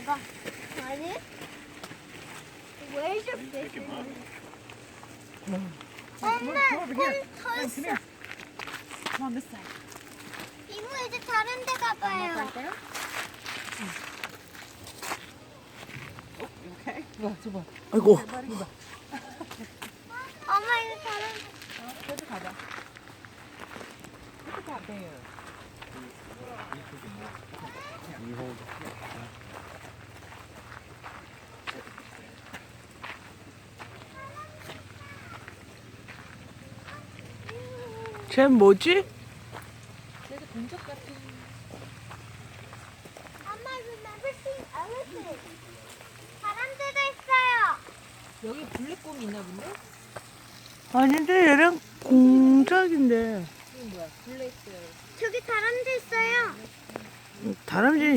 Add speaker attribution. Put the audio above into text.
Speaker 1: 봐봐. 아니? Where's your fish? 엄마,
Speaker 2: Come over here.
Speaker 1: 더
Speaker 2: Come
Speaker 1: 있어.
Speaker 2: here. Come on this side.
Speaker 1: 이모 이제 다른 데 가봐요.
Speaker 2: 갈까요? Oh, you okay? 봐, 저봐.
Speaker 3: 아이고.
Speaker 2: 발이 봐.
Speaker 1: 엄마 이제 다른 데.
Speaker 2: 저도 가봐. Look at that bear.
Speaker 3: 쟤 뭐지?
Speaker 2: 그래도 공작 같은.
Speaker 1: 엄마 remember seeing elephant. 사람들도 있어요.
Speaker 2: 여기 블랙곰이 있나 본데?
Speaker 3: 아닌데 얘랑 공작인데.
Speaker 2: 이건 뭐야? 블랙.
Speaker 1: 저기 다람쥐 있어요.
Speaker 3: 다람쥐